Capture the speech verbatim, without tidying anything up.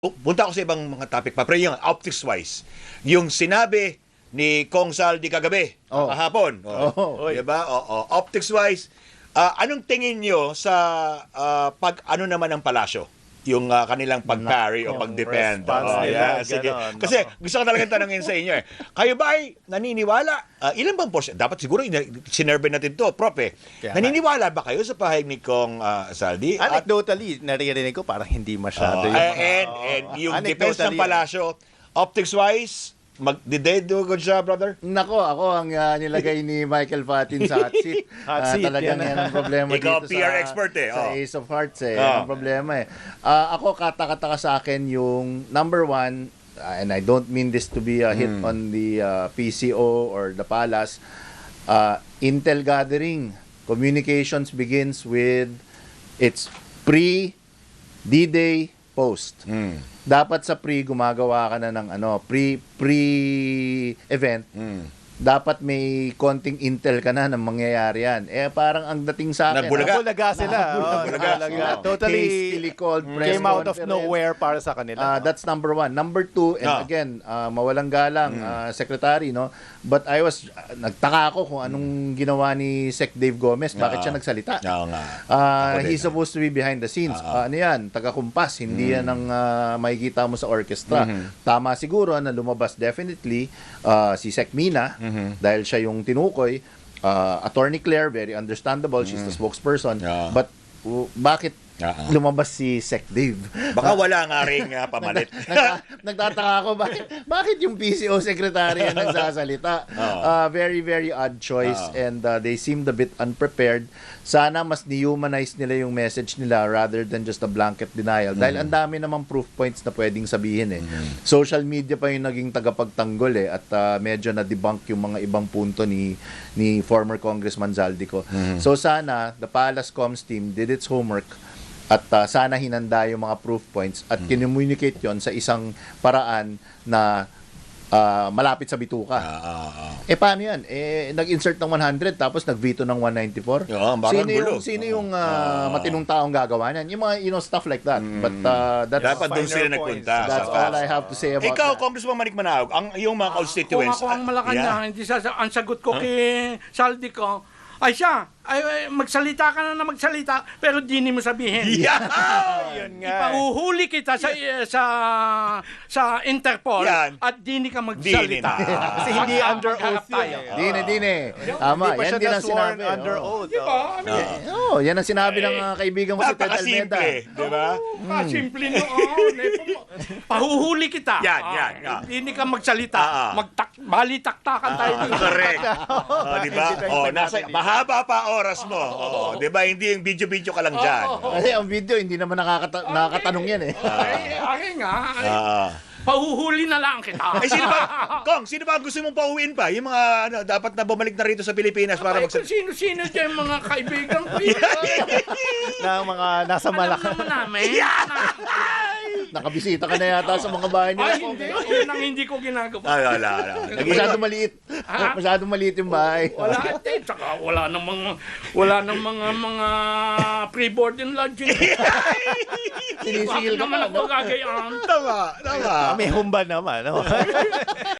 Punta ako sa ibang mga topic pa, pero yung optics-wise, yung sinabi ni Kong Saldi kagabi, Oh. kahapon, Oh. diba? Oo. Optics-wise, ah, anong tingin nyo sa ah, pag ano naman ng palasyo? Yung ah, kanilang pag-parry o Yung pag-defend. response Oo, nila, yeah, sige. ganon. Kasi Nako. gusto ko talagang tanongin sa inyo eh. Kayo ba ay naniniwala? Ah, ilan bang portion? Dapat siguro ina- sinerve natin to, Prof eh. Kaya nga. Naniniwala ba kayo sa pahayag ni Kong ah, Saldi? At Anecdotally, naririnig ko parang hindi Oh, masyado yung... and, Oo. and yung defense ng Anecdotally, palasyo, optics-wise, mag, did they do a good job, brother? Nako, ako ang ah, nilagay ni Michael Fatin sa hot seat. Hot Ah, seat, talagang yan. yan ang problema Ikaw, dito P R sa, expert eh, sa oh. Ace of Hearts eh. Oh. Yan ang problema eh. Ah, ako, katakataka sa akin yung number one, ah, and I don't mean this to be a hit Mm. on the ah, P C O or the Palace, ah, Intel gathering. Communications begins with its pre D-Day post. Mm. Dapat sa pre gumagawa ka na ng ano, pre pre event. Mm. Dapat may konting intel ka na ng mangyayari yan. Eh parang ang dating sa akin. Nagbulaga. Nabulaga sila. Oo, Nabulaga. nabulaga. Oo. Totally Hastily called press came out of conference. nowhere para sa Ah, kanila. that's number one. Number two, and Ah. again, ah, mawalang galang, Mm. ah, secretary, no? But I was, ah, nagtaka ako kung anong ginawa ni Sec Dave Gomez. Bakit Ah. siya nagsalita? Oo nga. Ah, Ako din, he's ah. supposed to be behind the scenes. Ah, Ah, ano yan? Taga-kumpas. Hindi yan ang ah, makikita mo sa orchestra. Mhm. Tama siguro na lumabas definitely ah, si Sec Mina Mhm. dahil siya yung tinukoy. Ah, Attorney Claire, very understandable. She's the spokesperson. Yeah. But uh, bakit Ah. lumabas si Sec Dave? Baka wala nga rin uh, pamalit. Nagta- nagtataka ako bakit bakit yung P C O secretary ang nagsasalita. Oo. Uh, very very odd choice Oo. and uh, they seemed a bit unprepared. Sana mas dehumanize nila yung message nila rather than just a blanket denial. Dahil ang dami namang proof points na pwedeng sabihin eh. Social media pa yung naging tagapagtanggol eh at uh, medyo na debunk yung mga ibang punto ni ni former Congressman Zaldico. So sana the Palace Comms team did its homework at uh, sana hinanda yung mga proof points at kinommunicate yon sa isang paraan na uh, malapit sa bituka. Ah, ah, ah. Eh paano yan? Eh nag-insert ng one hundred tapos nag-veto ng one ninety-four. Oo, parang sino gulo. yung sino yung uh, Oo. matinong taong gagawa niyan? Yung mga you know stuff like that. But uh, that's Dapat doon Finer sila points. nagpunta. that's sa all facts. I have to say about Ikaw, that. Congressman Manik Manaog, ang yung mga constituents. Kung ako ang Malacanang, Yeah. hindi sa, ang sagot ko kay Saldi ko, ay siya, ay, ay, magsalita ka na na magsalita, pero di mo sabihin. Yeah! Yun nga. Ipahuhuli kita sa sa sa Interpol Yan. at di ka Dini magsalita. na. Kasi hindi Magka- under oath magharap tayo. yun eh. Dine, dine. Tama, Hindi pa yan siya din ang na-sworn sinabi. under oh. oath. Di ba? Ano oh. yan? Oh, yan ang sinabi ng uh, kaibigan ko si Ted Almeda. Napakasimple, di ba? Ah, simple noon. Eh, pa- Pahuhuli kita. Yan, Ah, yan, yan. Hindi ka magsalita. Ah, ah. Magtak, balitaktakan tayo. Ah, dito. correct. Oh, di ba? Oh, nasa mahaba pa oras mo. Oh, di ba? Hindi yung video-video ka lang diyan. Kasi ang video, hindi naman nakakata- nakakatanong yan eh. Ay, akin nga. ay, Ah. Pahuhuli na lang kita. Eh, sino ba? Kong, sino ba ang gusto mong pauwiin pa? Yung mga ano, dapat na bumalik na rito sa Pilipinas para Ay, mag... kung sino-sino dyan mga kaibigan ko. Ay, Na mga nasa alam Malacanang. naman namin. Nakabisita ka na yata sa mga bahay nila. Ay, hindi. Yun ang hindi ko ginagawa. Ah, wala, wala. Masyadong maliit. Ha? Masyadong maliit yung bahay. Wala ate, tsaka wala nang mga wala nang mga mga pre-board and lodging. Sinisigil ka naman pa, ako no? gagayaan. Tama, tama. May humba naman. No?